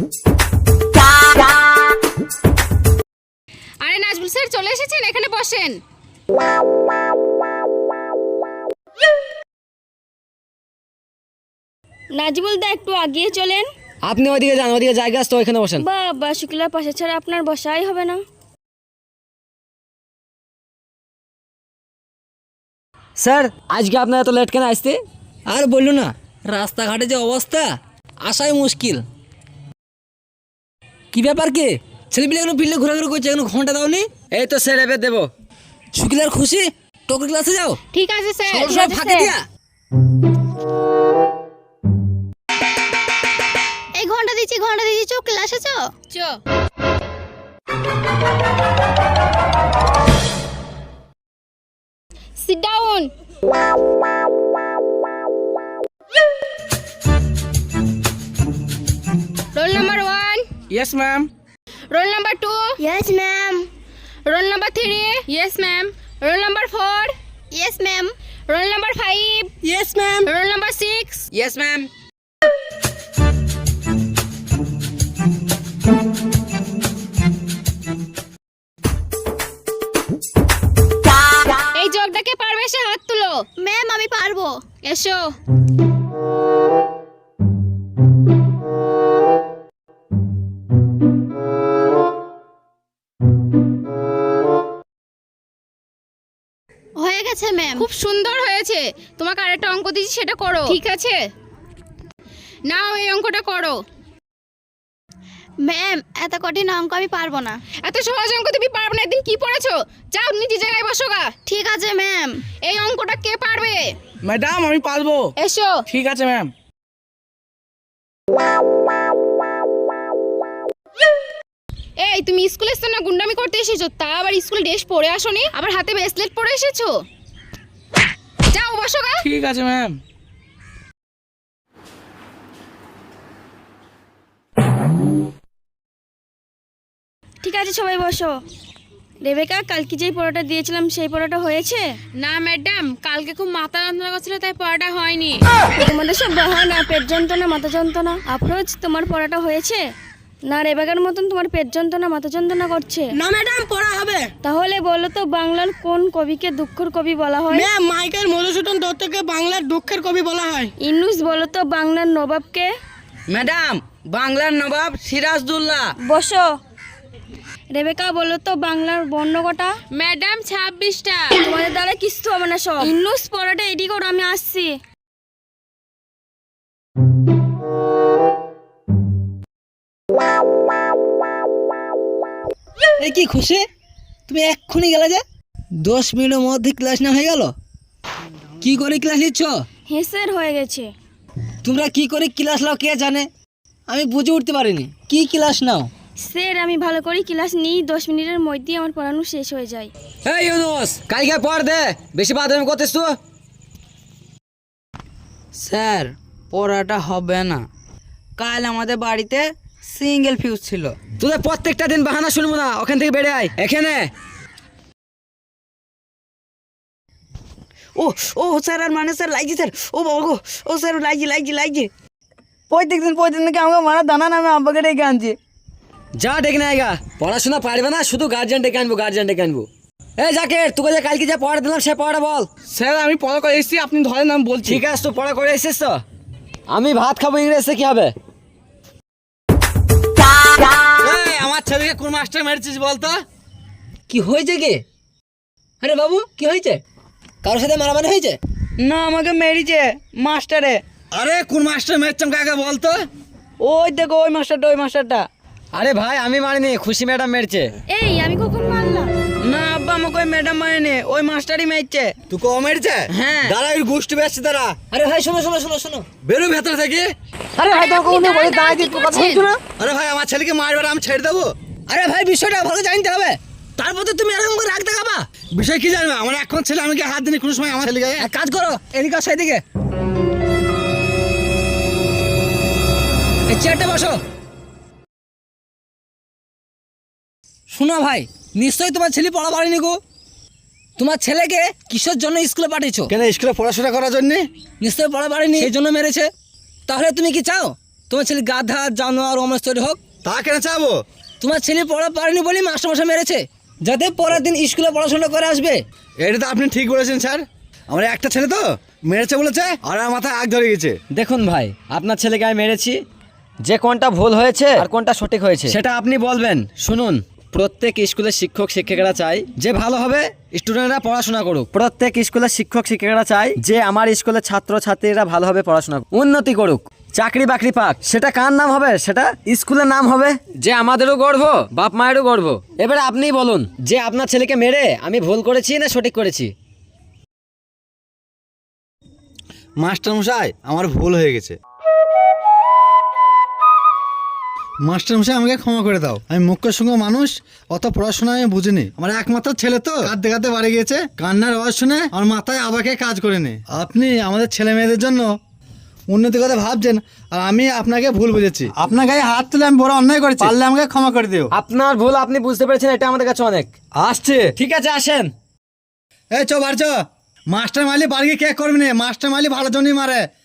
আরে নাজমুল স্যার চলে এসেছেন, এখানে বসেন। নাজমুল দা একটু আগিয়ে চলেন। আপনি ওইদিকে যান, ওইদিকে জায়গা আছে তো, ওইখানে বসেন। বাবা, শুক্লার পাশে ছাড়া আপনার বসাই হবে না। স্যার আজকে আপনার এত লেট কেন আসতে? আর বললো না, রাস্তাঘাটে যে অবস্থা, আসাই মুশকিল। কি ব্যাপার কে ছেলেপিলে এগুলো ফিল্ডে ঘোরাঘুরি করছে, এখনো ঘন্টা দাওনি? এই তো স্যার এবার দেবো। শুক্লার খুশি, টোকের ক্লাসে যাও। ঠিক আছে স্যার। সব ফাঁকি দিয়া। এই ঘন্টা দিচ্ছি চো, ক্লাসে চো। Sit down. Roll number 1। Yes ma'am. Roll number 2। Yes ma'am. Roll number 3। Yes ma'am. Roll number 4। Yes ma'am. Roll number 5। Yes ma'am. Roll number 6। Yes ma'am. এই যোগটাকে পারবে সে হাত তুলো। ম্যাম আমি পারবো। এসো। হয়ে গেছে ম্যাম। খুব সুন্দর হয়েছে। তোমাকে আরেকটা অঙ্ক দিয়েছি, সেটা করো। ঠিক আছে, নাও এই অঙ্কটা করো। ম্যাম এত কঠিন অঙ্ক আমি পারবো না। এত সহজ অঙ্ক তুমি পারবে না? একদিন কি পড়েছো? যাও নিজে জায়গায় বসো গা। ঠিক আছে ম্যাম। এই অঙ্কটা কে পারবে? ম্যাডাম আমি পারবো। এসো। ঠিক আছে ম্যাম। এই তুমি স্কুলে এসছো না গুন্ডামি করতে এসেছো? তা আবার স্কুল ড্রেস পরে আসোনি, আবার হাতে ব্রেসলেট পরে এসেছো। যাও বসো গা। ঠিক আছে ম্যাম। ঠিক আছে সবাই বসো। রেবেকা, কালকে যেই পড়াটা দিয়েছিলাম সেই পড়াটা হয়েছে? না ম্যাডাম, কালকে খুব মাথা যন্ত্রণা করছিল তাই পড়াটা হয়নি। তোমাদের সব বাহানা, পেট যন্ত্রণা, মাথা যন্ত্রণা। আফরোজ, তোমার পড়াটা হয়েছে? না, রেবেকার মতন তোমার পেট যন্ত্রণা, মাথা যন্ত্রণা করছে। না ম্যাডাম, পড়া হবে। তাহলে বলো তো, বাংলার কোন কবিকে দুঃখের কবি বলা হয়? ম্যাম, মাইকেল মধুসূদন দত্তকে বাংলার দুঃখের কবি বলা হয়। ইনুস, বলো তো বাংলার নবাবকে? ম্যাডাম বাংলার নবাব সিরাজদৌল্লা। বসো। রেবেকা, বলো তো বাংলার বর্ণ কটা? ম্যাডাম 26টা। তোমাদের দ্বারা কিচ্ছু হবে না সব। ইনুস, পড়াটা এডি করো, আমি আসছি। এই কি খুশি, তুমি এক্ষুনি গেলে যে? 10 মিনিটের মধ্যে ক্লাস না হয়ে গেল? কি করে ক্লাস নিচ্ছ? হেসের হয়ে গেছে। তোমরা কি করে ক্লাস নাও কে জানে, আমি বুঝে উঠতে পারিনি। কি ক্লাস নাও? স্যার, আমি ভালো করে ক্লাস নিই, 10 মিনিটের মধ্যেই আমার পড়ানো শেষ হয়ে যায়। এই ইউনুস, কালকে পড় দে, বেশি বাদামি করতেছ তো। স্যার, পড়াটা হবে না। কাল আমাদের বাড়িতে সিঙ্গেল ফিউজ ছিল। তোদের প্রত্যেকটা দিন বাহানা শুনবো না, ওখান থেকে বেড়ে আয় এখানে। ও ও স্যার, আর মানে স্যার লাগছে স্যার। ও বাবা গো, ও স্যার লাগছে। প্রত্যেকদিন আমাকে মারা দানা নামে আব্বাকে ডেকে আনছে। যা ডেকে না আয়গা, পড়াশোনা পারবে না, শুধু গার্জিয়ান ডেকে আনবো। এই জাকের, তোকে যে কালকে যে পড়া দিলাম সে পড়াটা বল। স্যার আমি পড়া করে এসেছি, আপনি ধরেন আমি বলছি। ঠিক আছে, তো পড়া করে এসেছিস তো? আমি ভাত খাবো, ইংরেজিতে কি হবে? এই, আমার ছেলেকে কোন মাস্টার মেরেছিস বলতো? কি হয়েছে কি? আরে বাবু, কি হয়েছে? কারোর সাথে মারামারি হয়েছে? না, আমাকে মেরেছে মাস্টারে। আরে কোন মাস্টার মেরেছেন কাকে বলতো? ওই দেখো, ওই মাস্টারটা। আরে ভাই আমি মারিনি, খুশি ম্যাডাম মেরেছে। এই, আমি কখন মারলাম? না আব্বা, আমাকে ওই ম্যাডাম মারেনি, ওই মাস্টারই মেরেছে। তুই কম মেরেছে? হ্যাঁ। দাঁড়া, ওই গোষ্ঠী বেসছে দাঁড়া। আরে ভাই শোনো বেরো ভেতর থেকে। আরে ভাই তোকে উনি বলে দাঁড়াই দিতে কথা বলছো না? আরে ভাই আমার ছেলেকে মারবে, আমি ছেড়ে দেবো? আরে ভাই বিষয়টা ভালো জানতে হবে, তারপর তো তুমি এরকম করে রাখতে খাবা। বিষয় কি জানবে? আমার এখন ছেলে, আমি কি হাত দিনি কোনো সময় আমার ছেলেকে? এক কাজ করো, এদিকে আসো, এদিকে এই চেয়ারটা বসো। শোনো ভাই, নিশ্চয়ই তোমার ছেলে পড়া পারেনি গো। তোমার ছেলেকে কিসের জন্য স্কুলে পাঠিয়েছো? কেন, স্কুলে পড়াশোনা করার জন্য? নিশ্চয়ই পড়া পারেনি, সেই জন্য মেরেছে। তাহলে তুমি কি চাও তোমার ছেলে গাধা জানোয়ার অমস্তরি হোক? তা কেন চাবো? তোমার ছেলে পড়া পারেনি বলেই মাস্টারমশাই মেরেছে, যাতে পরের দিন স্কুলে পড়াশোনা করে আসবে। এটা তো আপনি ঠিক বলেছেন স্যার। আমার একটা ছেলে তো মেরেছে বলেছে, আর আমার মাথায় আগ ধরে গেছে। দেখুন ভাই, আপনার ছেলেকে আমি মেরেছি, যে কোনটা ভুল হয়েছে আর কোনটা সঠিক হয়েছে সেটা আপনি বলবেন। শুনুন, প্রত্যেক স্কুলের শিক্ষক শিক্ষিকারা চাই যে ভালো হবে স্টুডেন্টরা পড়াশোনা করুক। প্রত্যেক স্কুলের শিক্ষক শিক্ষিকারা চাই যে আমার স্কুলের ছাত্র ছাত্রীরা ভালোভাবে পড়াশোনা করুক, উন্নতি করুক, চাকরি বাকরি পাক। সেটা কার নাম হবে? সেটা স্কুলের নাম হবে, যে আমাদেরও গর্ব, বাপ মায়েরও গর্ব। এবারে আপনিই বলুন যে আপনার ছেলেকে মেরে আমি ভুল করেছি না সঠিক করেছি? মাস্টারমশাই, আমার ভুল হয়ে গেছে। মাস্টারমশাই, আমাকে ক্ষমা করে দাও। আমি মুখ্য সঙ্গ মানুষ, অত পড়াশোনা আমি বুঝিনি। আমার একমাত্র ছেলে তো কাঁদতে কাঁদতে বাড়ি গিয়েছে, কান্নার আওয়াজ শুনে আমার মাথায় আবাকে কাজ করেনি। আপনি আমাদের ছেলে মেয়েদের জন্য উন্নতি কথা ভাবছেন, আর আমি আপনাকে ভুল বুঝেছি। আপনার গায়ে হাত তুলে আমি বড় অন্যায় করেছি, পারলে আমাকে ক্ষমা করে দিও। আপনার ভুল আপনি বুঝতে পেরেছেন, এটা আমাদের কাছে অনেক। আসছে, ঠিক আছে, আসেন। এই চ বার চ। মাস্টার মালি বাড়ি কে করবি না, মাস্টার মালি ভালো জন্যই মারে।